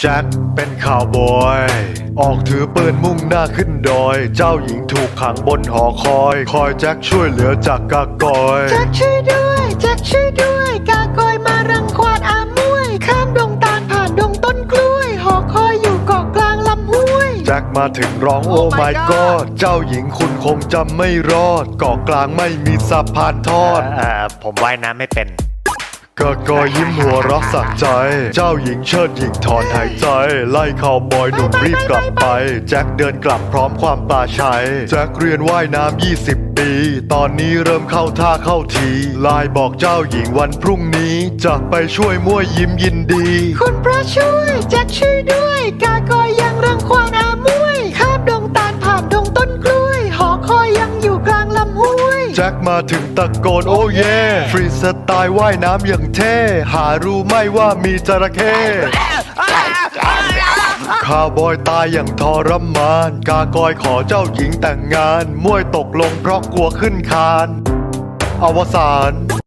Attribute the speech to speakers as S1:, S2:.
S1: แจ็คเป็นข่าวบอยออกถือปืนมุ่งหน้าขึ้นดอยเจ้าหญิงถูกขังบนหอคอยแจ็คช่วยเหลือจากกากอย
S2: แจ็คช่วยด้วยแจ็คช่วยด้วยกากอยมารังควานอามวยข้ามดงตาลผ่านดงต้นกล้วยหอคอยอยู่เกาะกลางลำห้วย
S1: แจ็คมาถึงร้องโอ้ my god เจ้าหญิงคุณคงจำไม่รอดเกาะกลางไม่มีสะพานทอด
S3: ผมว่ายน้ำไม่เป็น
S1: กากอยยิ้มหัวเรักสักใจเจ้าหญิงเชิดหญิงถอนหายใจไล่ข่าวบอยหนุ่มรีบกลับไปแจ็คเดินกลับพร้อมความปลาชัยแจ็คเรียนว่ายน้ำ20 ปีตอนนี้เริ่มเข้าท่าเข้าทีไลน์บอกเจ้าหญิงวันพรุ่งนี้จะไปช่วยมั่วยิ้มยินดี
S2: คุณพระช่วยแจ็คช่วยด้วยกากอยยังรังควานอามวยข้ามดงตาลผ่านดงต้นกล้วยหอคอยยังอยู่กลางลำห้วย
S1: แจ็คมาถึงตะโกนโอ้เย่ฟรีสไตล์ว่ายน้ำอย่างเท่หารู้ไหม่ว่ามีจระเข้ข้าวบอยตายอย่างทรมานกากอยขอเจ้าหญิงแต่งงานมวยตกลงเพราะกลัวขึ้นคานอวสาน